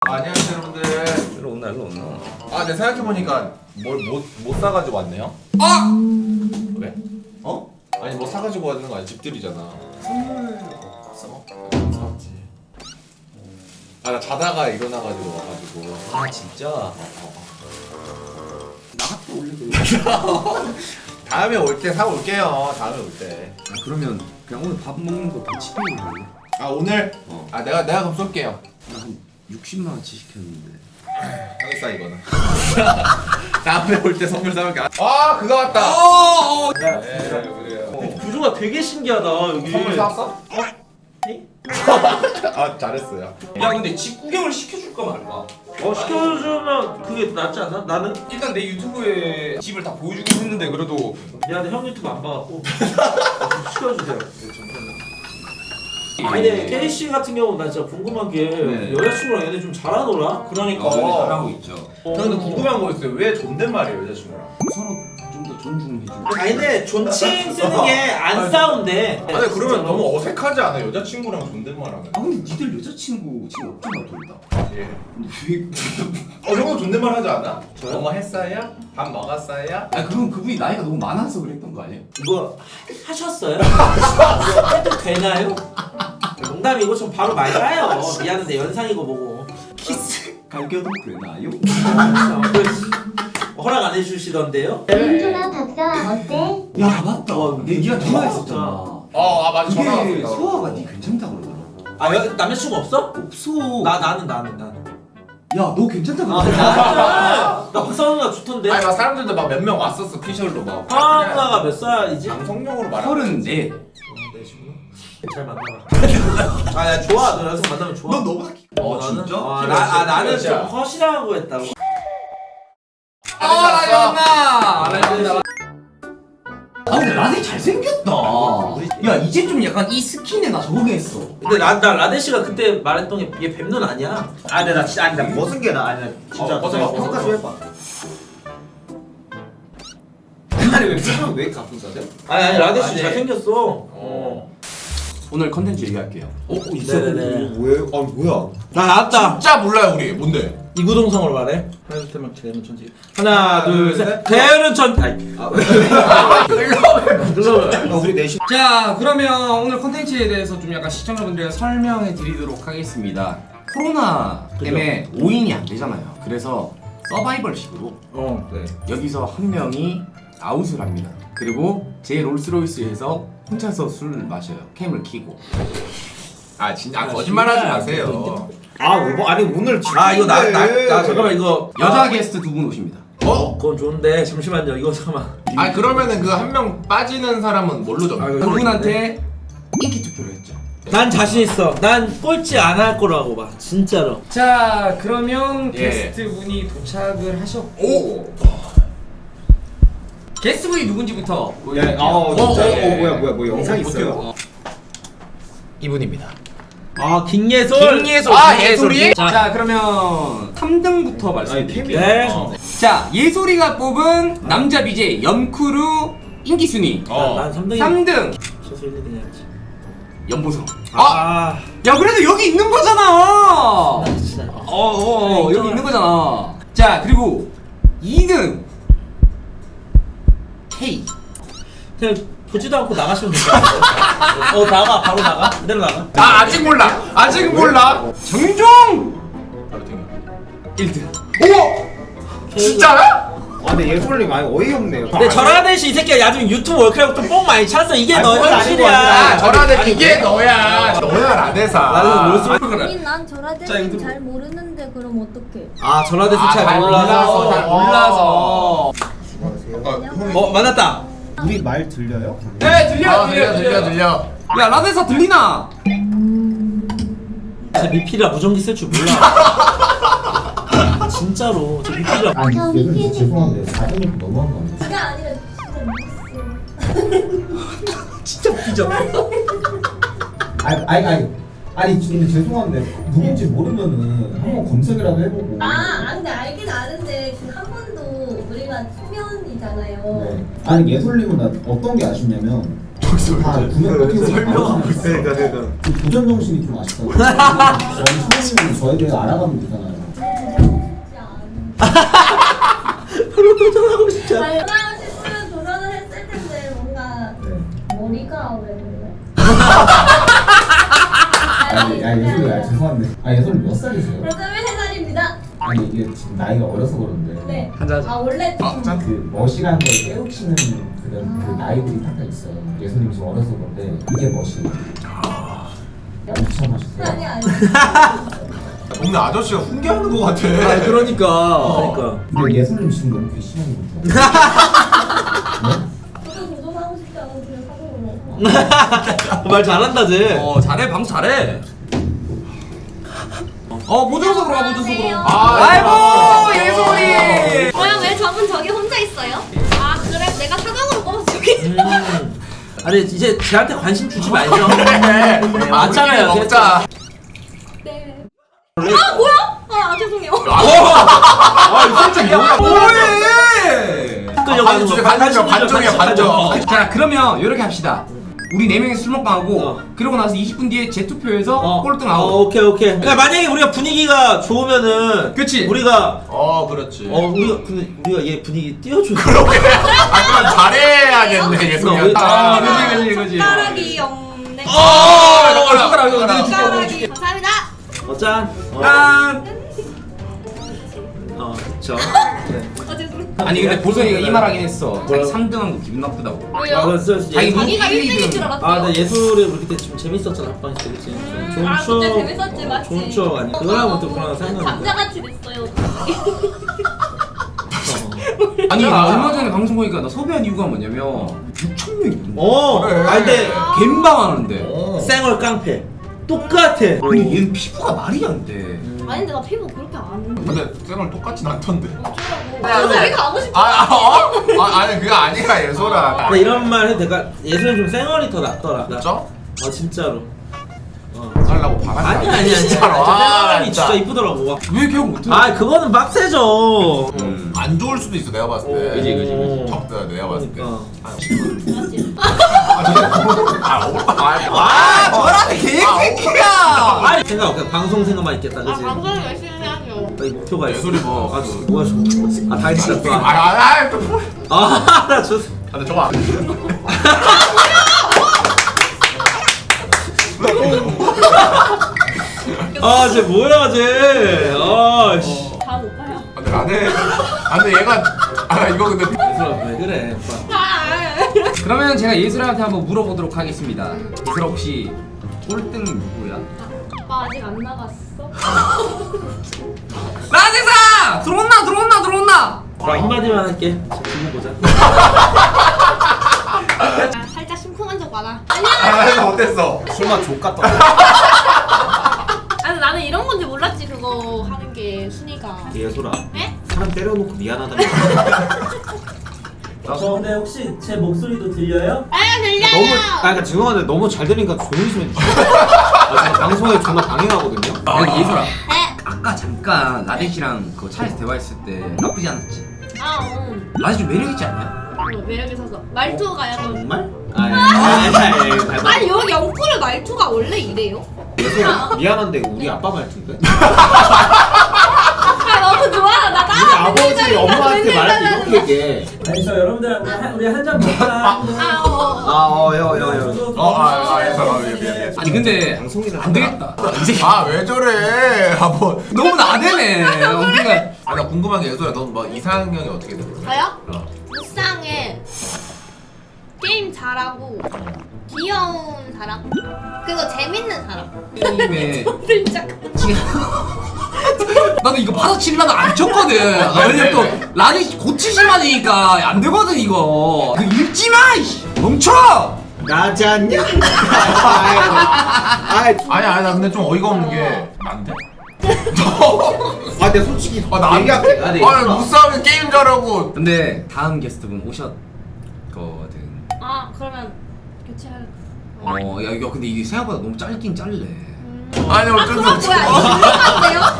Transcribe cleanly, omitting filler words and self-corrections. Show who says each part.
Speaker 1: 안녕하세요 여러분들.
Speaker 2: 일로 온나 일로 온나.
Speaker 1: 아, 내 생각해보니까 뭘 못 사가지고 왔네요.
Speaker 2: 아!
Speaker 1: 왜?
Speaker 2: 어?
Speaker 1: 아니 뭐 사가지고 왔는 거 아니 집들이잖아.
Speaker 2: 선물
Speaker 1: 샀어? 사왔지. 아, 나 자다가 일어나가지고 와가지고.
Speaker 2: 아 진짜? 나갔다 올래 그래.
Speaker 1: 다음에 올 때 사올게요. 다음에 올 때.
Speaker 2: 아, 그러면 그냥 오늘 밥 먹는 거 다 치킨으로 할래?
Speaker 1: 아, 오늘?
Speaker 2: 어.
Speaker 1: 아, 내가 그럼 쏠게요.
Speaker 2: 나한 60만 원치 시켰는데.
Speaker 1: 형이 싸 이거는. 다음에 올 때 선물 사올게. 아, 그거 왔다. 네, 그래요.
Speaker 3: 구조가 되게 신기하다 여기.
Speaker 1: 선물 사왔어?
Speaker 3: 네?
Speaker 1: 아, 잘했어요.
Speaker 2: 야 근데 집 구경을 시켜줄까 말까?
Speaker 3: 시켜주면 그게 낫지 않나? 나는
Speaker 2: 일단 내 유튜브에 집을 다 보여주긴 했는데 그래도
Speaker 3: 미안해 형 유튜브 안 봐갖고 시켜주세요. 아니 근데 케이씨 같은 경우 나 진짜 궁금한 게
Speaker 2: 네.
Speaker 3: 여자친구랑 얘네 좀 잘하더라?
Speaker 1: 그러니까.
Speaker 2: 잘하고 있죠.
Speaker 1: 저는 궁금한 거 있어요. 왜 존댓말이에요, 여자친구랑?
Speaker 2: 서로 좀 더 존중해주고.
Speaker 3: 아니 근데 존칭 쓰는 게 안 싸운대.
Speaker 1: 아니 그러면 너무 어색하지 않아? 여자친구랑 존댓말하면.
Speaker 2: 아 근데 니들 여자친구 지금 없잖아 둘 다.
Speaker 1: 예.
Speaker 2: 근데 왜?
Speaker 1: 형도 존댓말 하지 않아?
Speaker 3: 저요?
Speaker 1: 뭐뭐 했어요? 밥 먹었어요?
Speaker 2: 아 그럼 그분이 나이가 너무 많아서 그랬던 거 아니에요?
Speaker 3: 이거 하셨어요? 이거 해도 되나요? 농담이고 좀 바로 말 까요. 미안한데 연상이고 뭐고.
Speaker 2: 키스 갈겨도 되나요?
Speaker 3: 허락 안 해주시던데요?
Speaker 4: 윤준아 박사와 어때?
Speaker 2: 야 맞다. 니가 전화했었잖아.
Speaker 1: 아 맞아 전화
Speaker 2: 그게
Speaker 1: 왔어.
Speaker 2: 소아가 니 괜찮다 그러더라.
Speaker 3: 아 남자친구 없어?
Speaker 2: 없어.
Speaker 3: 나는.
Speaker 2: 야 너 괜찮다
Speaker 3: 아,
Speaker 2: 그러더라.
Speaker 3: 나 박사누나 좋던데.
Speaker 1: 아니 막 사람들도 막 몇 명 왔었어 피셜로 막.
Speaker 3: 박사누나가 몇 살이지?
Speaker 1: 방송용으로 말하는.
Speaker 2: 34.
Speaker 3: 내 친구. 잘 만나라. 아나 좋아. 너 여자친구 만나면 좋아.
Speaker 2: 넌 너보다 키.
Speaker 3: 나는?
Speaker 2: 진짜?
Speaker 3: 나는 좀
Speaker 1: 키몇이야?
Speaker 3: 허시라고 했다고.
Speaker 2: 아 근데 라데 잘생겼다. 야 이제 좀 약간 이 스킨에 나 적응했어.
Speaker 3: 근데 나 라데 씨가 그때 말했던 게 얘 뱀눈 아니야? 아 근데 나 진짜 아니 나 벗은 게 나 아니 나 진짜
Speaker 1: 벗어봐.
Speaker 3: 평가 좀 해봐.
Speaker 2: 아니 왜 사람 왜 가쁜 사람?
Speaker 3: 아니 라데 씨
Speaker 1: 아니.
Speaker 3: 잘생겼어.
Speaker 2: 오늘 컨텐츠 얘기할게요.
Speaker 3: 네네네.
Speaker 1: 뭐예요? 아 뭐야?
Speaker 3: 나 나왔다.
Speaker 1: 진짜 몰라요 우리 뭔데?
Speaker 3: 이구동성으로 말해. 하나 대는 천지. 하나 둘 셋. 대는 천. 아이.
Speaker 2: 우리 넷이. 자 그러면 오늘 컨텐츠에 대해서 좀 약간 시청자분들께 설명해 드리도록 하겠습니다. 코로나 때문에 5인이 안 되잖아요. 그래서 서바이벌식으로
Speaker 3: 네.
Speaker 2: 여기서 한 명이 아웃을 합니다. 그리고 제 롤스로이스에서 혼자서 술 마셔요. 캠을 켜고.
Speaker 1: 아 진짜 거짓말하지 마세요.
Speaker 3: 아니 오늘 아 이거 나 잠깐만 이거
Speaker 2: 여자 게스트 두 분 오십니다.
Speaker 3: 그건 좋은데 잠시만요 이거 잠깐만.
Speaker 1: 아 그러면은 그 한 명 빠지는 사람은 뭘로 정해?
Speaker 2: 그분한테 인기 투표를 했죠.
Speaker 3: 난 자신 있어. 난 꼴찌 안 할 거라고 봐. 진짜로.
Speaker 2: 자 그러면
Speaker 1: 예.
Speaker 2: 게스트 분이 도착을 하셨고
Speaker 1: 오.
Speaker 2: 게스트 분이 누군지부터
Speaker 1: 뭐야
Speaker 2: 영상 있어요?
Speaker 1: 이분입니다.
Speaker 3: 아 김예솔.
Speaker 1: 예솔이?
Speaker 2: 자 그러면 3등부터 말씀드릴게요.
Speaker 3: 네.
Speaker 2: 자 예솔이가 뽑은 남자 BJ 연쿠루 인기 순위
Speaker 3: 난 3등이.
Speaker 2: 3등
Speaker 3: 최소 1, 2등 해야지.
Speaker 2: 연보성.
Speaker 3: 아.
Speaker 2: 야 그래도 여기 있는 거잖아.
Speaker 3: 진짜.
Speaker 2: 여기 있는 거잖아. 자 그리고 2등 K.
Speaker 3: 그냥 보지도 않고 나가시면 될 것 같아. 나가 바로 나가. 그대로 나가.
Speaker 1: 아 아직 몰라. 아직 몰라.
Speaker 2: 정종
Speaker 1: 바로 땡겨.
Speaker 2: 1등.
Speaker 1: 오. 진짜야?
Speaker 5: 아 근데 예솔이 많이 어이없네요.
Speaker 3: 근데 전화대 씨이 새끼야 나중에 유튜브 월클럽도 뽕 많이 찼어. 이게 너의
Speaker 1: 아
Speaker 3: 현실이야.
Speaker 1: 전화대 이게 너야. 너야 라데사.
Speaker 3: 나는 롤스
Speaker 4: 아니 난 저라데는 잘 모르는데 그럼 어떡해?
Speaker 3: 아 전화대
Speaker 1: 아,
Speaker 3: 잘
Speaker 1: 잘
Speaker 3: 몰라서.
Speaker 1: 잘
Speaker 2: 몰라서.
Speaker 3: 만났다.
Speaker 5: 우리 말 들려요?
Speaker 2: 네
Speaker 1: 들려.
Speaker 2: 야 라데사 들리나?
Speaker 3: 저 미필이라 무전기 쓸 줄 몰라. 진짜로 저 미필이라.
Speaker 4: 아니, 예솔이
Speaker 5: 죄송한데 4등이 너무한 거 아니에요?
Speaker 4: 그게 아니라 진짜 미쳤어.
Speaker 3: 진짜 삐져.
Speaker 5: 아니 근데 죄송한데 누군지 모르면은 한번 검색이라도 해보고.
Speaker 4: 근데 알긴 아는데 그 한 번도 우리가 초면이잖아요.
Speaker 5: 네. 아니 예솔님은 어떤 게 아쉽냐면 다 구명 버티고
Speaker 1: 설명하고
Speaker 5: 있으니까 그 도전 정신이 좀 아쉽다고. 저희 소장님은 저에 대해 알아가면 되잖아요.
Speaker 4: 싶으면 도전을 했을 텐데 뭔가
Speaker 5: 네.
Speaker 4: 머리가 왜 그래?
Speaker 5: 예솔이 죄송한데 예솔이 몇 살이세요?
Speaker 4: 23살입니다.
Speaker 5: 아니 이게 지금 나이가 어려서 그런데
Speaker 4: 네.
Speaker 2: 한잔
Speaker 4: 아 원래 좀
Speaker 5: 그 멋이라는 걸 깨우치는 그런 그 나이들이 딱 있어요. 예솔님 지금 어려서 그런데 이게 멋이에요. 엄청 멋있어요.
Speaker 4: 아니
Speaker 1: 동네 아저씨가 훈계하는 것 같아.
Speaker 2: 아 그러니까.
Speaker 3: 그러니까.
Speaker 5: 근데 예솔님 지금 너무 괘씸한 것 같아요.
Speaker 4: 저도 도전하고 싶지 않은 그런 사고로.
Speaker 3: 말 잘한다 쟤.
Speaker 2: 잘해 방송 잘해. 모조석으로 가 모조석으로.
Speaker 1: 아,
Speaker 2: 아이고 예솔이.
Speaker 4: 뭐야 왜 저분 저기 혼자 있어요? 아 그래 내가 사강으로 꼽아서 저기.
Speaker 3: 아니 이제 쟤한테 관심 주지 말죠.
Speaker 1: 그래.
Speaker 3: 맞잖아요.
Speaker 1: 우리끼리 먹자.
Speaker 4: 네. 아 뭐야? 아 죄송해요.
Speaker 1: 살짝 뭐야?
Speaker 2: 뭐해?
Speaker 3: 끌려가는 거.
Speaker 1: 반정이야 반정.
Speaker 2: 자 그러면 이렇게 합시다. 우리 4명이 술 먹방 하고 그러고 나서 20분 뒤에 재투표해서 꼴등 아웃.
Speaker 3: 오케이. 그러니까 만약에 우리가 분위기가 좋으면은
Speaker 2: 그치.
Speaker 3: 우리가
Speaker 1: 그렇지.
Speaker 3: 우리가 얘 분위기 띄워줘.
Speaker 1: 그럼 잘해야겠네 예솔이.
Speaker 2: 그지.
Speaker 4: 숟가락이 없네.
Speaker 2: 숟가락
Speaker 4: 숟가락이 감사합니다.
Speaker 3: 짠.
Speaker 2: 짠.
Speaker 3: 그쵸.
Speaker 4: 죄송해요.
Speaker 2: 아니 근데 보성이가 이 말 하긴 했어. 자기 3등한 거 기분 나쁘다고.
Speaker 4: 왜요?
Speaker 3: 그래서
Speaker 2: 자기
Speaker 4: 자기가 1등인 줄 알았대요.
Speaker 3: 나 예술에 우리 그때 좀 재밌었잖아 합방 때 그치? 좋은
Speaker 4: 아,
Speaker 3: 추억.
Speaker 4: 그때 재밌었지, 맞지?
Speaker 3: 좋은 추억 아니야? 그거랑 또 그런 생각나는데.
Speaker 4: 감자같이 됐어요.
Speaker 2: 아니 얼마 전에 방송 보니까 나 섭외한 이유가 뭐냐면 6,000명이
Speaker 1: 그래.
Speaker 3: 근데
Speaker 2: 갬방하는데
Speaker 3: 쌩얼 깡패 똑같아.
Speaker 2: 아니 얘는 피부가 말이 안 돼.
Speaker 4: 아니 근데 나 피부 그렇게 안
Speaker 1: 근데 쌩얼 똑같진 않던데.
Speaker 4: 어쩌라고. 저 저기 가고 싶어.
Speaker 1: 아니 그거 아니야 예솔아.
Speaker 3: 근데 이런 말 해도 내가 예술은 좀 쌩얼이 더 낫더라.
Speaker 1: 진짜?
Speaker 3: 진짜로.
Speaker 1: 하려고 바람.
Speaker 3: 아니야.
Speaker 1: 진짜로.
Speaker 3: 쌩얼이 진짜 이쁘더라고.
Speaker 2: 왜 기억 못해?
Speaker 3: 그거는 빡세죠.
Speaker 1: 안 좋을 수도 있어 내가 봤을 때.
Speaker 2: 그지.
Speaker 1: 적다 내가 봤을 때.
Speaker 3: 그러니까.
Speaker 2: 저라는 개새끼야.
Speaker 3: 생각 방송 생각만 있겠다 그지?
Speaker 4: 방송 열심히 해야죠.
Speaker 3: 이 목표가 있어.
Speaker 1: 예술이 뭐.
Speaker 3: 뭐야 저거. 당신다 또.
Speaker 1: 나
Speaker 3: 좋.
Speaker 1: 근데 저거 안
Speaker 3: 쟤 뭐야 쟤. 씨.
Speaker 4: 다음 오빠야.
Speaker 1: 근데 나는 근데 얘가 이거 근데
Speaker 3: 예술아 왜 그래 오빠.
Speaker 2: 그러면 제가 예슬한테 한번 물어보도록 하겠습니다. 예슬아 혹시 꼴등 누구야?
Speaker 4: 오빠 아직 안 나갔어?
Speaker 2: 라제사! 들어온나?
Speaker 3: 그럼 한마디만 할게. 두고 보자.
Speaker 4: 살짝 심쿵한 적 많아.
Speaker 1: 어땠어?
Speaker 5: 술맛 족같다.
Speaker 4: 아니 나는 이런 건지 몰랐지 그거 하는 게 순위가.
Speaker 3: 예술아.
Speaker 4: 네?
Speaker 3: 사람 때려놓고 미안하다. 근데 혹시 제 목소리도 들려요?
Speaker 4: 들려요.
Speaker 5: 그러니까 죄송한데 너무 잘 들리니까 조용히 좀 해주세요. 제가 방송에 존나 방해하거든요.
Speaker 2: 여기 예슬아
Speaker 4: 네.
Speaker 2: 아까 잠깐 라데 씨랑 그 차에서 대화했을 때 나쁘지 않았지?
Speaker 4: 응.
Speaker 2: 라데 좀 매력있지 않냐?
Speaker 4: 매력 있어서 말투가 약간.
Speaker 3: 정말?
Speaker 4: 아니 여기 영쿠르 말투가 원래 이래요?
Speaker 5: 예솔아 미안한데 우리 아빠 말투인데?
Speaker 4: 아 너무 좋아. 나
Speaker 5: 우리 아버지 엄마한테 말할 때 이렇게 얘기해.
Speaker 3: 아니 저 여러분들 우리 한 잔 먹자.
Speaker 1: 미안.
Speaker 2: 아니 근데
Speaker 5: 방송이나
Speaker 2: 안 되겠다. 이 새끼
Speaker 1: 왜 저래? 뭐.
Speaker 2: 너무 나대네. 그러니까
Speaker 1: 나 궁금한 게 예솔아 넌 뭐 이상형이 어떻게 돼?
Speaker 4: 저요? 무쌍에 게임 잘하고 귀여운 사람 그리고 재밌는 사람.
Speaker 2: 게임에
Speaker 4: 진짜.
Speaker 2: 나도 이거 받아치려다 안 쳤거든. 왜냐면 또 라디 고치실만이니까 안 되거든 이거. 그 읽지 마. 이씨. 멈춰.
Speaker 5: 나지 않냐?
Speaker 1: 아니 나 근데 좀 어이가 없는 게 난데?
Speaker 5: 근데 솔직히
Speaker 1: 나
Speaker 5: 얘기할게.
Speaker 1: 아니 무싸움에 게임 잘하고.
Speaker 2: 근데 다음 게스트분 오셨거든.
Speaker 4: 아 그러면 교체할까?
Speaker 2: 야 이거 근데 이게 생각보다 너무 짧긴 짧네.
Speaker 1: 아니 어쩔 수
Speaker 4: 그건
Speaker 1: 없지.
Speaker 4: 뭐야? 이거